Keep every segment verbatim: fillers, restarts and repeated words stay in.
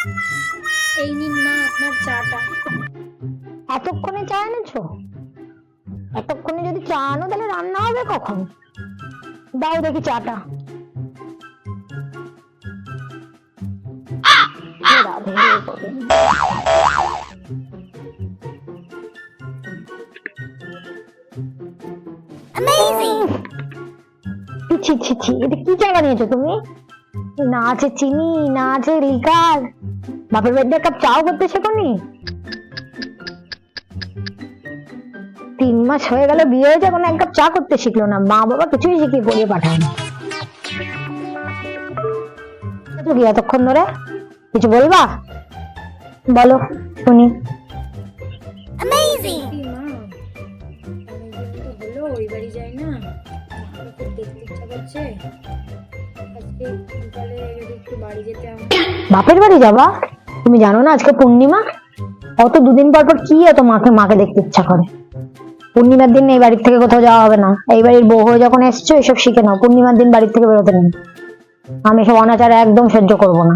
এই নিন মা আপনার চাটা। এতক্ষণে চা এনেছো? এতক্ষণে যদি চা আনো তাহলে রান্না হবে কখন? দাও দেখি চাটা। রাধে গোবিন্দ। ছি ছি ছি, এটা কি চা বানিয়েছো তুমি? না আছে চিনি, না আছে লিকার। বাপের বাড়িতে এক কাপ চাও করতে শেখোনি? তিন মাস হয়ে গেল বিয়ে হয়েছে, এখন এক কাপ চা করতে শিখলো না। মা বাবা কিছুই শিখিয়ে পড়িয়ে পাঠায় না। কি এতক্ষণ ধরে কিছু বলবা? বলো শুনি। ওই বাড়ি যাই না, খুব দেখতে ইচ্ছা করছে। আজকে সকালে যদি একটু বাড়ি যেতাম। বাপের বাড়ি যাবা? তুমি জানো না আজকে পূর্ণিমা? অত দুদিন পর পর কি এত মাকে মাকে দেখতে ইচ্ছা করে? পূর্ণিমার দিন এই বাড়ির থেকে কোথাও যাওয়া হবে না। এই বাড়ির বউ হয়ে যখন এসছো এসব শিখে নাও। পূর্ণিমার দিন বাড়ির থেকে বেরোতে নেই। আমি সব অনাচার একদম সহ্য করব না।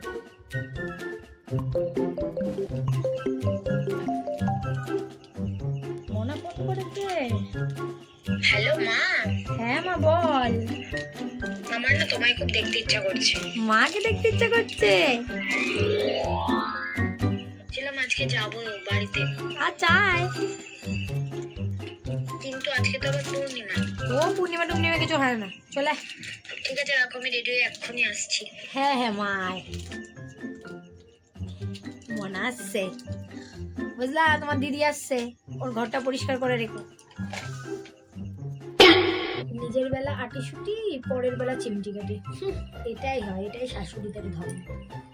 মনে ফোন করেছে? হ্যালো মা। হ্যাঁ মা বল। আমার না তোমায় খুব দেখতে ইচ্ছা করছে। মাকে দেখতে ইচ্ছা করছে? ছিলাম আজকে যাবো বাড়িতে। আচ্ছা আয়। কিন্তু আজকে তো আবার পূর্ণিমা। ও পূর্ণিমা টুর্ণিমা কিছু হয় না, চলে। ঠিক আছে রাখো, আমি রেডি হয়ে এক্ষুনি আসছি। হ্যাঁ হ্যাঁ মা আয়। মনে আসছে বুঝলা, তোমার দিদি আসছে, ওর ঘরটা পরিষ্কার করে রেখো। নিজের বেলা আটি সুটি, পরের বেলা চিমটি কাটি, এটাই হয়, এটাই শাশুড়িদের ধর্ম।